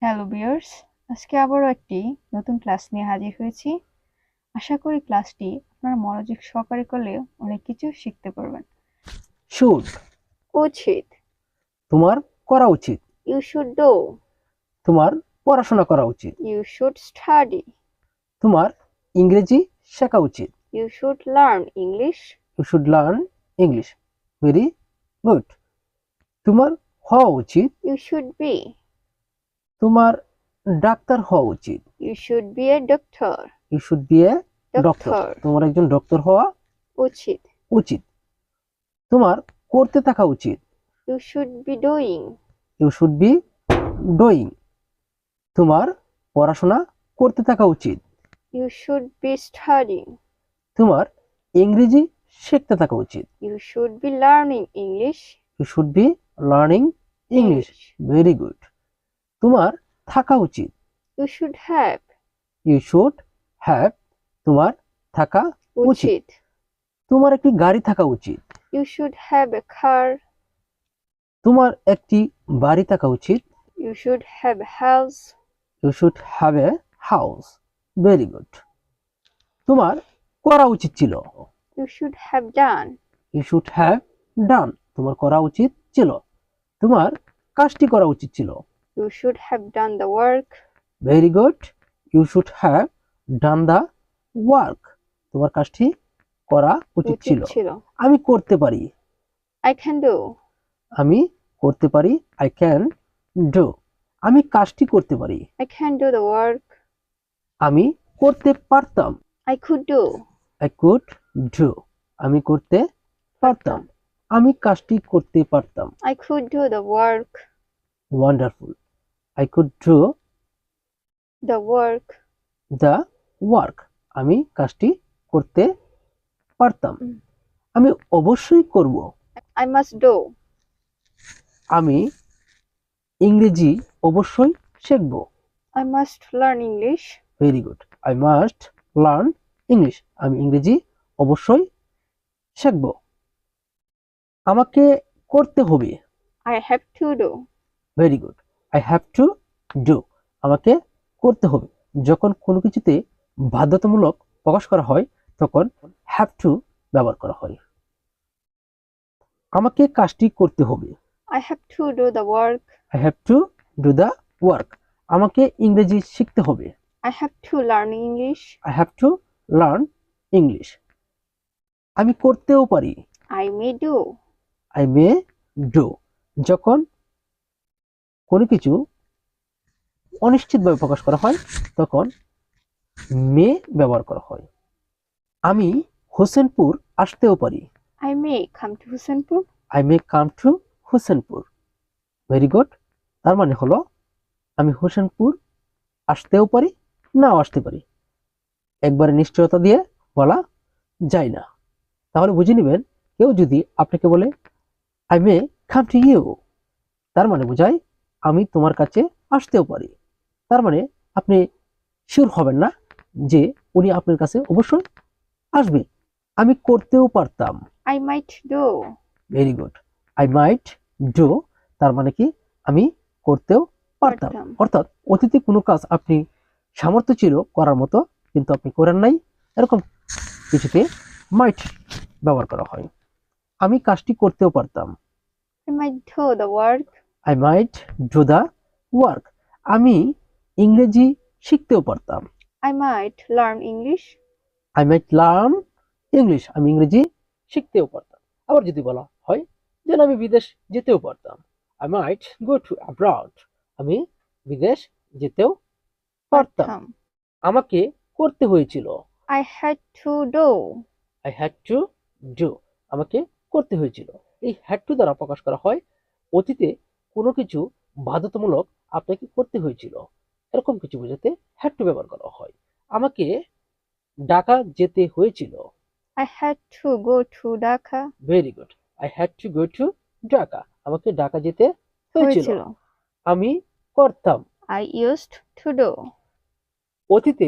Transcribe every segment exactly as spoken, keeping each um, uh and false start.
Hello viewers, আজকে আবারও একটি নতুন ক্লাস নিয়ে হাজির হয়েছি। আশা করি ক্লাসটি আপনারা মনোযোগ সহকারে করলে অনেক কিছু শিখতে পারবেন। শুড উচিত, তোমার করা উচিত। ইউ শুড ডু, তোমার পড়াশোনা করা উচিত। ইউ শুড স্টাডি, তোমার ইংরেজি শেখা উচিত। You should learn English, you should learn English. Very good. তোমার হওয়া উচিত। ইউ শুড বি, তোমার ডাক্তার হওয়া উচিত। You should be a doctor, you should be a doctor. Doctor, তোমার একজন ডক্টর হওয়া উচিত, উচিত। তোমার করতে থাকা উচিত। You should be doing, you should be doing. তোমার পড়াশোনা করতে থাকা উচিত। ইউ শুড বি স্টাডিং, তোমার ইংরেজি শিখতে থাকা উচিত। You should be learning English, you should be learning English. Very good. তোমার থাকা উচিত। You should have, you should have. তোমার থাকা উচিত। উচিত, তোমার একটি গাড়ি থাকা উচিত। You should have a car, তোমার একটি বাড়ি থাকা উচিত। you should have a house, you should have a house. Very good. তোমার করা উচিত ছিল। you should have done, you should have done. তোমার করা উচিত ছিল। তোমার কাজটি করা উচিত ছিল। you should have done the work, very good. You should have done the work. তোমার কাজটি করা উচিত ছিল। আমি করতে পারি। I can do, আমি করতে পারি। I can do. আমি কাজটি করতে পারি। I can do the work, আমি করতে পারতাম। I could do, I could do. আমি করতে পারতাম। আমি কাজটি করতে পারতাম। I could do the work, wonderful. I could do the work, the work. আমি কাজটি করতে পারতাম। আমি অবশ্যই করব। I must do, আমি ইংরেজি অবশ্যই শিখব। I must learn English, very good. I must learn English. আমি ইংরেজি অবশ্যই শিখব। আমাকে করতে হবে। I have to do, very good. I have to do. আমাকে করতে হবে। যখন কোনো কিছুতে বাধ্যতামূলক প্রকাশ করা হয় তখন হ্যাভ টু ব্যবহার করা হয়। আমাকে কাজটি করতে হবে। I have to do the work, I have to do the work. আমাকে ইংরেজি শিখতে হবে। I have to learn English, I have to learn English. আমি করতেও পারি। I may do, I may do. যখন কোনো কিছু অনিশ্চিতভাবে প্রকাশ করা হয় তখন মে ব্যবহার করা হয়। আমি হোসেনপুর আসতেও পারি। I may come to Husanpur, I may come to Husanpur. Very good. তার মানে হলো আমি হোসেনপুর আসতেও পারি, নাও আসতে পারি। একবারে নিশ্চয়তা দিয়ে বলা যায় না। তাহলে বুঝে নেবেন, কেউ যদি আপনাকে বলে I may come to you, তার মানে বোঝায় আমি তোমার কাছে আসতেও পারি। তার মানে আপনি শিওর হবেন না যে উনি আপনার কাছে অবশ্যই আসবে। আমি করতেও পারতাম। I might do, very good. I might do. তার মানে কি আমি করতেও পারতাম। পারতাম। অর্থাৎ অতীতে কোনো কাজ আপনি সামর্থ্য ছিল করার মতো কিন্তু আপনি করেন নাই, এরকম কিছুতে মাইট ব্যবহার করা হয়। আমি কাজটি করতেও পারতাম। I might do the work, I might do the work. আমি ইংরেজি শিখতেও পারতাম। I might learn English, I might learn English. আমি ইংরেজি শিখতেও পারতাম। আবার যদি বলা হয় যেন আমি বিদেশ যেতেও পারতাম, I might go to abroad. আমি বিদেশ যেতেও পারতাম। পারতাম, আমাকে করতে হয়েছিল। I had to do, I had to do. আমাকে করতে হয়েছিল। এই হ্যাড টু দ্বারা প্রকাশ করা হয় অতীতে কোনো কিছু বাধ্যতামূলক আপনাকে করতে হয়েছিল, এরকম কিছু বোঝাতে হ্যাড টু ব্যবহার করা হয়। আমাকে ঢাকা যেতে হয়েছিল। I had to go to Dhaka, very good. I had to go to Dhaka. আমাকে ঢাকা যেতে হয়েছিল। হয়েছিল, আমি করতাম। I used to do, অতীতে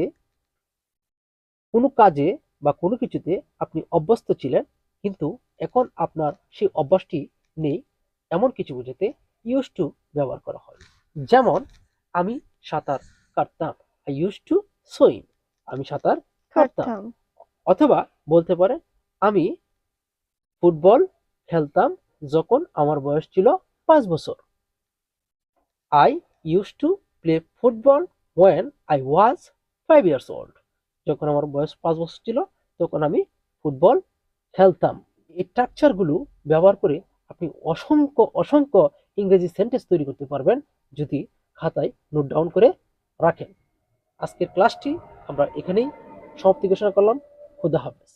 কোনো কাজে বা কোনো কিছুতে আপনি অভ্যস্ত ছিলেন কিন্তু এখন আপনার সেই অভ্যাসটি নেই, এমন কিছু বোঝাতে ইউজ টু ব্যবহার করা হয়। যেমন আমি সাঁতার কাটতাম। আই ইউজ টু সুইম, আমি সাঁতার কাটতাম। কাটতাম। অথবা বলতে পারেন আমি ফুটবল খেলতাম যখন আমার বয়স ছিল পাঁচ বছর। I use to play football when I was five years old, যখন আমার বয়স পাঁচ বছর ছিল তখন আমি ফুটবল খেলতাম। এই স্ট্রাকচারগুলো ব্যবহার করে আপনি অসংখ্য অসংখ্য ইংরেজি সেন্টেন্স তৈরি করতে পারবেন যদি খাতায় নোট ডাউন করে রাখেন। আজকের ক্লাসটি আমরা এখানেই সমাপ্তি ঘোষণা করলাম। খুদা হাফেজ।